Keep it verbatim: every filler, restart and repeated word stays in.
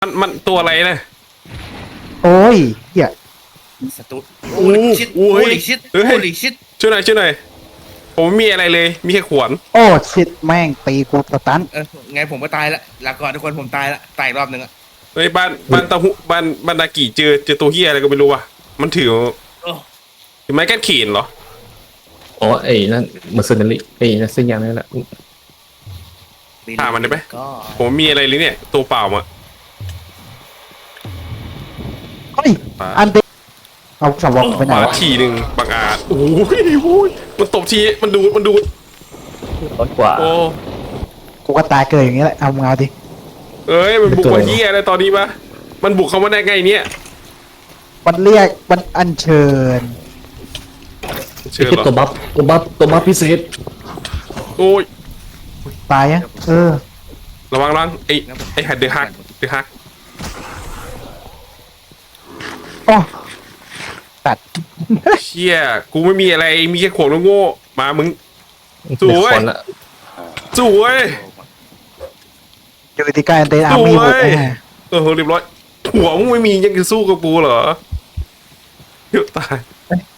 มันมันตัวอะไรนะโอ้ยเหี้ยสตูโอ้โอ้ลิชิตโอ้โอ้ยลิชิตเฮ้ยโอ้ลิชิตช่วยหน่อยช่วยหน่อยผมไม่มีอะไรเลย มีแค่ขวานโอ้ชิดแม่งตีกูสตันเออไงผมก็ตายละลาก่อนทุกคนผมตายละตายอีกรอบหนึ่งอะเฮ้ยบ้านบ้านตะหุบ้านบ้านนากิเจอเจอตัวเฮียอะไรก็ไม่รู้ว่ะมันถือโอ้ถือไม้กั้นเขนเหรออ๋อไอ้นั่นเมอร์เซนารีไอ้นั่นซึ่งอย่างนั้นแหละฆ่ามันได้ไหมก็ผมไม่มีอะไรเลยเนี่ยตัวเปล่ามาเฮ้ยอันเดเอาสำรองไปไหนมาวะทีหนึ่งบางอาจโอ้ยโอ้ยมันตบทีมันดูมันดูร้อนกว่าโอ้กูก็ตายเกิดอย่างนี้แหละเอามึงเอาดิเอ้ยมันบุกมาเฮียอะไรตอนนี้ปะมันบุกเข้ามาได้ไงเนี่ยมันเรียกมันอัญเชิญเชื่อไอ้เหรอตัวบัฟตัวบัฟตัวบัฟพิเศษโอ้ยตายยังเออระวังระวังไอ้ไอ้หัดเดือฮักเดือฮักโอ้ตัดเชี่ยกูไม่มีอะไรมีแค่ขวานโง่ๆมามึง สวยคนละสวยอยู่ที่ใกล้อันเดอาร์มีสหวกยแน่เออเรียบร้อยหัวมึงไม่มียังจะสู้กับกูเหรอเดี๋ยวตาย